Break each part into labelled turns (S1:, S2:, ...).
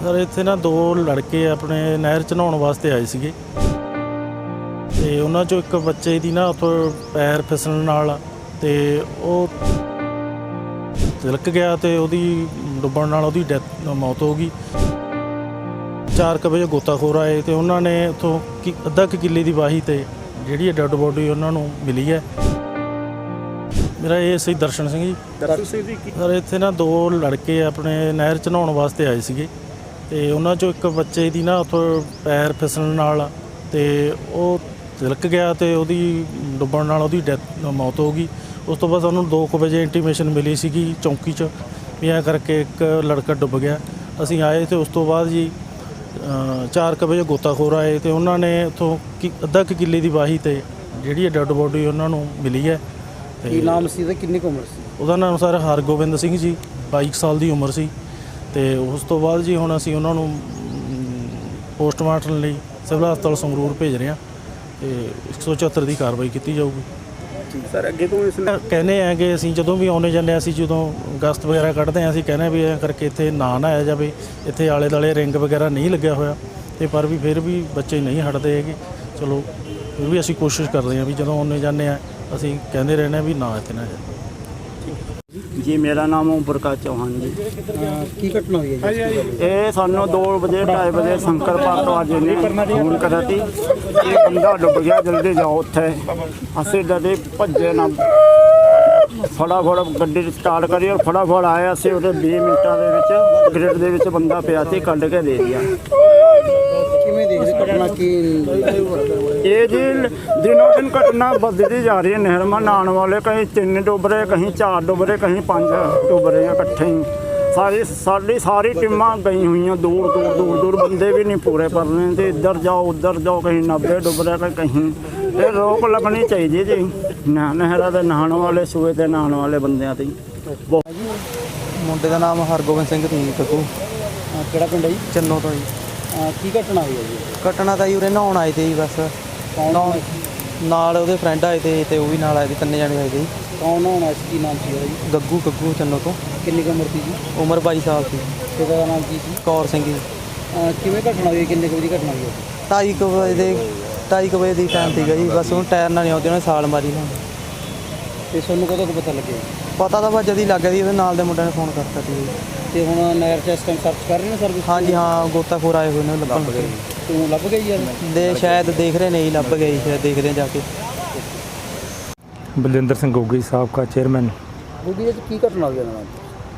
S1: Sir ਇੱਥੇ ਨਾ ਦੋ ਲੜਕੇ ਆਪਣੇ ਨਹਿਰ 'ਚ ਨਹਾਉਣ ਵਾਸਤੇ ਆਏ ਸੀਗੇ ਤੇ ਉਹਨਾਂ 'ਚੋਂ ਇੱਕ ਬੱਚੇ ਦੀ ਨਾ ਉੱਥੋਂ ਪੈਰ ਫਿਸਲਣ ਨਾਲ ਤੇ ਉਹ ਤਿਲਕ ਗਿਆ ਤੇ ਉਹਦੀ ਡੁੱਬਣ ਨਾਲ ਉਹਦੀ ਮੌਤ ਹੋ ਗਈ। 4 ਵਜੇ ਗੋਤਾਖੋਰ ਆਏ ਤੇ ਉਹਨਾਂ ਨੇ ਉੱਥੋਂ ਅੱਧਾ ਕਿੱਲੇ ਦੀ ਵਾਹੀ ਤੇ ਜਿਹੜੀ ਡੈੱਡ ਬੋਡੀ ਉਹਨਾਂ ਨੂੰ ਮਿਲੀ ਹੈ। ਮੇਰਾ ਇਹ ਸੀ ਦਰਸ਼ਨ ਸਿੰਘ ਜੀ। ਸਰ ਇੱਥੇ ਨਾ ਦੋ ਲੜਕੇ ਆਪਣੇ ਨਹਿਰ 'ਚ ਨਹਾਉਣ ਵਾਸਤੇ ਆਏ ਸੀਗੇ ਤੇ ਉਹਨਾਂ 'ਚੋਂ ਇੱਕ ਬੱਚੇ ਦੀ ਨਾ ਉੱਥੋਂ ਪੈਰ ਫਿਸਲਣ ਨਾਲ ਤੇ ਉਹ ਤਿਲਕ ਗਿਆ ਤੇ ਉਹਦੀ ਡੁੱਬਣ ਨਾਲ ਉਹਦੀ ਮੌਤ ਹੋ ਗਈ। ਉਸ ਤੋਂ ਬਾਅਦ ਸਾਨੂੰ 2 ਵਜੇ ਇੰਟੀਮੇਸ਼ਨ ਮਿਲੀ ਸੀਗੀ ਚੌਂਕੀ 'ਚ ਵੀ ਐਂ ਕਰਕੇ ਇੱਕ ਲੜਕਾ ਡੁੱਬ ਗਿਆ। ਅਸੀਂ ਆਏ ਤੇ ਉਸ ਤੋਂ ਬਾਅਦ ਜੀ 4 ਵਜੇ ਗੋਤਾਖੋਰ ਆਏ ਤੇ ਉਹਨਾਂ ਨੇ ਉੱਥੋਂ ਅੱਧਾ ਕਿੱਲੇ ਦੀ ਵਾਹੀ ਤੇ ਜਿਹੜੀ ਡੈੱਡ ਬੋਡੀ ਉਹਨਾਂ ਨੂੰ ਮਿਲੀ ਹੈ।
S2: ਕੀ ਨਾਮ ਸੀ ਤੇ ਕਿੰਨੀ ਕੁ ਉਮਰ ਸੀ?
S1: ਉਹਦਾ ਨਾਮ ਸਰ ਹਰਗੋਬਿੰਦ ਸਿੰਘ ਜੀ, 22 ਸਾਲ ਦੀ ਉਮਰ ਸੀ। ਤੇ ਉਸ ਤੋਂ ਬਾਅਦ ਜੀ ਹੁਣ ਅਸੀਂ ਉਹਨਾਂ ਨੂੰ ਪੋਸਟਮਾਰਟਮ ਲਈ ਸਿਵਲ ਹਸਪਤਾਲ ਸੰਗਰੂਰ ਭੇਜ ਰਹੇ ਹਾਂ ਤੇ 174 ਦੀ ਕਾਰਵਾਈ ਕੀਤੀ ਜਾਊਗੀ।
S2: ਸਰ ਅੱਗੇ ਤੋਂ ਇਸ
S1: ਕਹਿੰਦੇ ਆ ਕਿ ਅਸੀਂ ਜਦੋਂ ਵੀ ਆਉਣੇ ਜਾਂਦੇ ਹਾਂ, ਅਸੀਂ ਜਦੋਂ ਗਸਤ ਵਗੈਰਾ ਕੱਢਦੇ ਹਾਂ, ਅਸੀਂ ਕਹਿੰਦੇ ਵੀ ਐਂ ਕਰਕੇ ਇੱਥੇ ਨਾ ਆਇਆ ਜਾਵੇ। ਇੱਥੇ ਆਲੇ ਦੁਆਲੇ ਰਿੰਗ ਵਗੈਰਾ ਨਹੀਂ ਲੱਗਿਆ ਹੋਇਆ ਤੇ ਪਰ ਵੀ ਫਿਰ ਵੀ ਬੱਚੇ ਨਹੀਂ ਹਟਦੇ ਹੈਗੇ। ਚਲੋ ਫਿਰ ਵੀ ਅਸੀਂ ਕੋਸ਼ਿਸ਼ ਕਰਦੇ ਹਾਂ ਵੀ ਜਦੋਂ ਆਉਣੇ ਜਾਂਦੇ ਹਾਂ ਅਸੀਂ ਕਹਿੰਦੇ ਰਹਿੰਦੇ ਹਾਂ ਵੀ ਨਾ ਇੱਥੇ ਨਾ ਜਾਵੇ।
S3: ਜੀ ਮੇਰਾ ਨਾਮ ਓਮਪ੍ਰਕਾਸ਼ ਚੌਹਾਨ ਜੀ।
S2: ਕੀ ਘਟਨਾ ਹੋਈ ਹੈ ਜੀ?
S3: ਇਹ ਸਾਨੂੰ 2 ਵਜੇ 2:30 ਵਜੇ ਸ਼ੰਕਰ ਪਾਰਕ ਵਾਲੇ ਨੇ ਫੋਨ ਕਰਿਆ ਸੀ ਇਹ ਬੰਦਾ ਡੁੱਬ ਗਿਆ, ਜਲਦੀ ਜਾਓ ਉੱਥੇ। ਅਸੀਂ ਡਰੇ ਭੱਜੇ ਨਾ, ਫਟਾਫਟ ਗੱਡੀ ਸਟਾਰਟ ਕਰੀ ਔਰ ਫਟਾਫਟ ਆਏ। ਅਸੀਂ ਉਹਦੇ 20 ਮਿੰਟਾਂ ਦੇ ਵਿੱਚ ਗ੍ਰਿਡ ਦੇ ਵਿੱਚ ਬੰਦਾ ਪਿਆ ਸੀ, ਕੱਢ ਕੇ ਦੇ ਦਿਆ।
S2: ਕਿਵੇਂ ਦੇਖਦੇ ਘਟਨਾ ਕੀ
S3: ਇਹ ਜੀ ਦਿਨੋਂ ਦਿਨ ਘਟਨਾ ਵੱਧਦੀ ਜਾ ਰਹੀ ਹੈ। ਨਹਿਰ ਮਾ ਨਹਾਉਣ ਵਾਲੇ ਕहीं 3 ਡੁੱਬ ਰਹੇ, ਕहीं 4 ਡੁੱਬ ਰਹੇ, ਕहीं 5 ਡੁੱਬ ਰਹੇ ਇਕੱਠੇ ਹੀ। ਸਾਰੀ ਟੀਮਾਂ ਗਈ ਹੋਈਆਂ ਦੂਰ ਬੰਦੇ ਵੀ ਨਹੀਂ ਪੂਰੇ ਪਰ ਰਹੇ ਤੇ ਇੱਧਰ ਜਾਓ ਉੱਧਰ ਜਾਓ, ਕहीं 90 ਡੁੱਬ ਰਹੇ ਕहीं। ਇਹ ਰੋਕ ਲੱਗਣੀ ਚਾਹੀਦੀ ਜੀ ਨਹਿਰਾਂ ਦੇ ਨਹਾਉਣ ਵਾਲੇ, ਸੂਏ ਤੇ ਨਹਾਉਣ ਵਾਲੇ ਬੰਦਿਆਂ ਤੇ।
S4: ਮੁੰਡੇ ਦਾ ਨਾਮ ਹਰਗੋਬਿੰਦ ਸਿੰਘ ਸੀ ਕੱਕੂ।
S2: ਕਿਹੜਾ ਪਿੰਡ ਹੈ ਜੀ?
S4: ਚੰਨੋ ਤੋਂ ਜੀ।
S2: ਕੀ ਘਟਨਾ ਹੋਈ ਹੈ ਜੀ?
S4: ਘਟਨਾ ਤਾਂ ਜੀ ਉਰੇ ਨਹਾਉਣ ਆਏ ਤੇ ਜੀ ਬਸ।
S2: ਕੌਣ
S4: ਨਾਲ ਉਹਦੇ ਫਰੈਂਡ ਆਏ ਤੇ ਉਹ ਵੀ ਨਾਲ ਆਏ ਤੇ, 3 ਜਣੇ ਆਏ ਤੇ ਜੀ।
S2: ਕੌਣ ਹੋਣਾ ਸੀ? ਕੀ ਨਾਮ ਸੀ ਉਹਦਾ ਜੀ?
S4: ਗੱਗੂ ਚੰਨੋ ਤੋਂ।
S2: ਕਿੰਨੀ ਕੁ ਉਮਰ ਸੀ ਜੀ?
S4: ਉਮਰ 22 ਸਾਲ ਸੀ।
S2: ਪਿਤਾ ਦਾ ਨਾਮ ਕੀ ਸੀ?
S4: ਕੌਰ ਸਿੰਘ ਜੀ।
S2: ਕਿਵੇਂ ਘਟਨਾ ਹੋਈ? ਕਿੰਨੇ ਕੁ ਵਜੇ ਘਟਨਾ ਹੋਈ ਹੈ?
S4: 2:30 ਵਜੇ ਦੀ ਟਾਈਮ ਸੀਗਾ ਜੀ। ਬਸ ਉਹਨੂੰ ਟਾਇਰ ਨਾਲ ਨਹੀਂ ਆਉਂਦੀ, ਉਹਨੇ ਛਾਲ ਮਾਰੀ ਨਾ।
S2: ਤੇ ਤੁਹਾਨੂੰ ਕਦੋਂ ਕੁ ਪਤਾ ਲੱਗਿਆ?
S4: ਪਤਾ ਤਾਂ ਬਸ ਜਦ ਹੀ ਲੱਗ ਗਿਆ ਜੀ, ਉਹਦੇ ਨਾਲ ਦੇ ਮੁੰਡਿਆਂ ਨੇ ਫੋਨ ਕਰਤਾ ਸੀ ਜੀ।
S2: ਤੇ ਹੁਣ ਨਹਿਰ 'ਚ ਇਸ ਟਾਈਮ ਸਰਚ ਕਰ ਰਹੇ ਨੇ ਸਰਵਿਸ?
S4: ਹਾਂਜੀ ਹਾਂ, ਗੋਤਾਖੋਰ ਆਏ ਹੋਏ ਨੇ ਲੱਭਣ।
S2: ਤੂੰ ਲੱਭ ਗਈ ਯਾਰ?
S4: ਸ਼ਾਇਦ ਦੇਖ ਰਹੇ ਨਹੀਂ, ਲੱਭ ਗਏ ਸ਼ਾਇਦ, ਦੇਖਦੇ ਜਾ ਕੇ।
S5: ਬਲਜਿੰਦਰ ਸਿੰਘ ਗੋਗੀ ਸਾਬਕਾ ਚੇਅਰਮੈਨ।
S2: ਗੋਗੀ ਜੀ ਕੀ ਘਟਨਾ ਹੋਈ ਨਾਲ?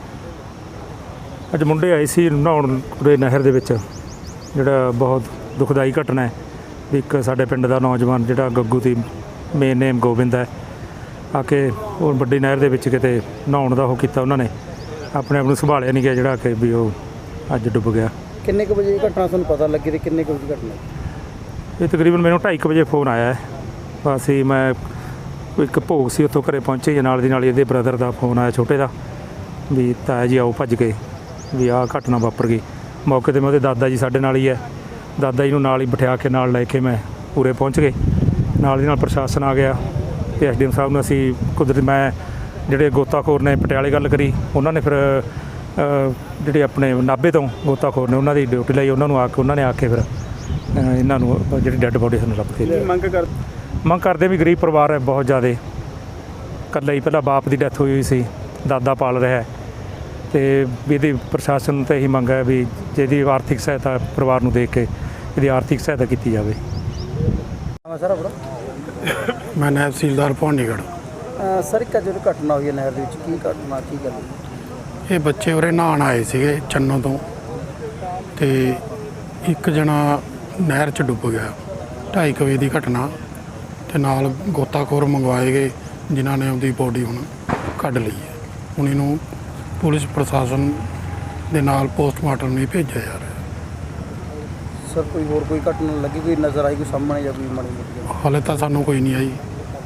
S5: ਅੱਜ ਮੁੰਡੇ ਆਏ ਸੀ ਨਹਾਉਣ ਉਰੇ ਨਹਿਰ ਦੇ ਵਿੱਚ, ਜਿਹੜਾ ਬਹੁਤ ਦੁਖਦਾਈ ਘਟਨਾ ਹੈ ਵੀ ਇੱਕ ਸਾਡੇ ਪਿੰਡ ਦਾ ਨੌਜਵਾਨ ਜਿਹੜਾ ਗੱਗੂ ਦੀ ਮੇਨ ਨੇਮ ਗੋਬਿੰਦ ਹੈ, ਆ ਕੇ ਉਹ ਵੱਡੀ ਨਹਿਰ ਦੇ ਵਿੱਚ ਕਿਤੇ ਨਹਾਉਣ ਦਾ ਉਹ ਕੀਤਾ। ਉਹਨਾਂ ਨੇ ਆਪਣੇ ਆਪ ਨੂੰ ਸੰਭਾਲਿਆ ਨਹੀਂ ਗਿਆ, ਜਿਹੜਾ ਕਿ ਵੀ ਉਹ ਅੱਜ ਡੁੱਬ ਗਿਆ।
S2: ਕਿੰਨੇ ਕੁ ਵਜੇ ਘਟਨਾ ਤੁਹਾਨੂੰ ਪਤਾ ਲੱਗੀ ਤੇ ਕਿੰਨੇ ਕੁ ਵਜੇ ਘਟਨਾ?
S5: ਇਹ ਤਕਰੀਬਨ ਮੈਨੂੰ 2:30 ਵਜੇ ਫੋਨ ਆਇਆ ਹੈ। ਬਸ ਹੀ ਮੈਂ ਇੱਕ ਭੋਗ ਸੀ, ਉੱਥੋਂ ਘਰੇ ਪਹੁੰਚੇ, ਨਾਲ ਦੀ ਨਾਲ ਇਹਦੇ ਬ੍ਰਦਰ ਦਾ ਫੋਨ ਆਇਆ ਛੋਟੇ ਦਾ ਵੀ ਤਾਇਆ ਜੀ ਆਓ ਭੱਜ ਗਏ ਵੀ ਆਹ ਘਟਨਾ ਵਾਪਰ ਗਈ। ਮੌਕੇ 'ਤੇ ਮੈਂ ਉਹਦੇ ਦਾਦਾ ਜੀ ਸਾਡੇ ਨਾਲ ਹੀ ਹੈ, ਦਾਦਾ ਜੀ ਨੂੰ ਨਾਲ ਹੀ ਬਿਠਾ ਕੇ ਨਾਲ ਲੈ ਕੇ ਮੈਂ ਪੂਰੇ ਪਹੁੰਚ ਗਏ। ਨਾਲ ਦੀ ਨਾਲ ਪ੍ਰਸ਼ਾਸਨ ਆ ਗਿਆ ਤੇ ਐਸਡੀਐਮ ਸਾਹਿਬ ਨੂੰ ਅਸੀਂ ਕੁਦਰਤੀ ਮੈਂ ਜਿਹੜੇ ਗੋਤਾਖੋਰ ਨੇ ਪਟਿਆਲੇ ਗੱਲ ਕਰੀ, ਉਹਨਾਂ ਨੇ ਫਿਰ ਜਿਹੜੇ ਆਪਣੇ ਨਾਭੇ ਤੋਂ ਗੋਤਾਖੋਰ ਨੇ ਉਹਨਾਂ ਦੀ ਡਿਊਟੀ ਲਈ, ਉਹਨਾਂ ਨੂੰ ਉਹਨਾਂ ਨੇ ਆ ਕੇ ਫਿਰ ਇਹਨਾਂ ਨੂੰ ਜਿਹੜੀ ਡੈੱਡ ਬੋਡੀ ਸਾਨੂੰ ਲੱਭ ਕੇ ਮੰਗ ਕਰਦੇ ਵੀ ਗਰੀਬ ਪਰਿਵਾਰ ਹੈ ਬਹੁਤ ਜ਼ਿਆਦਾ। ਇਕੱਲਾ ਹੀ ਪਹਿਲਾਂ ਬਾਪ ਦੀ ਡੈਥ ਹੋਈ ਸੀ, ਦਾਦਾ ਪਾਲ ਰਿਹਾ ਤੇ ਵੀ ਇਹਦੀ ਪ੍ਰਸ਼ਾਸਨ ਤੋਂ ਇਹੀ ਮੰਗ ਹੈ ਵੀ ਜਿਹਦੀ ਆਰਥਿਕ ਸਹਾਇਤਾ ਪਰਿਵਾਰ ਨੂੰ ਦੇ ਕੇ ਇਹਦੀ ਆਰਥਿਕ ਸਹਾਇਤਾ ਕੀਤੀ ਜਾਵੇ।
S2: ਸਰ ਆਪਣਾ?
S6: ਮੈਂ ਨਾਇਬ ਤਹਿਸੀਲਦਾਰ ਭਵਾਨੀਗੜ੍ਹ।
S2: ਸਰ ਇੱਕ ਜਿਹੜੀ ਘਟਨਾ ਹੋਈ ਹੈ ਨਹਿਰ ਦੇ ਵਿੱਚ, ਕੀ ਘਟਨਾ ਕੀ ਗੱਲ?
S6: ਇਹ ਬੱਚੇ ਉਰੇ ਨਹਾਉਣ ਆਏ ਸੀਗੇ ਚੰਨੋ ਤੋਂ ਤੇ ਇੱਕ ਜਣਾ ਨਹਿਰ 'ਚ ਡੁੱਬ ਗਿਆ। 2:30 ਵਜੇ ਦੀ ਘਟਨਾ ਤੇ ਨਾਲ ਗੋਤਾਖੋਰ ਮੰਗਵਾਏ ਗਏ ਜਿਨ੍ਹਾਂ ਨੇ ਉਹਦੀ ਬੋਡੀ ਹੁਣ ਕੱਢ ਲਈ ਹੈ। ਹੁਣ ਇਹਨੂੰ ਪੁਲਿਸ ਪ੍ਰਸ਼ਾਸਨ ਦੇ ਨਾਲ ਪੋਸਟਮਾਰਟਮ ਲਈ ਭੇਜਿਆ ਜਾ ਰਿਹਾ।
S2: ਸਰ ਕੋਈ ਹੋਰ ਕੋਈ ਘਟਨਾ ਲੱਗੀ, ਕੋਈ ਨਜ਼ਰ ਆਈ, ਕੋਈ ਸਾਹਮਣੇ ਜਾਂ ਕੋਈ ਮਾੜੀ ਮੋਟੀ?
S6: ਹਾਲੇ ਤਾਂ ਸਾਨੂੰ ਕੋਈ ਨਹੀਂ ਆਈ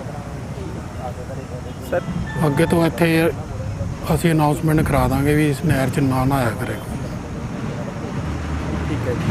S2: ਸਰ।
S6: ਅੱਗੇ ਤੋਂ ਇੱਥੇ ਅਸੀਂ ਅਨਾਉਂਸਮੈਂਟ ਕਰਾ ਦਾਂਗੇ ਵੀ ਇਸ ਨਹਿਰ 'ਚ ਨਾ ਨਹਾਇਆ ਕਰੇ।
S2: ਠੀਕ ਹੈ ਜੀ।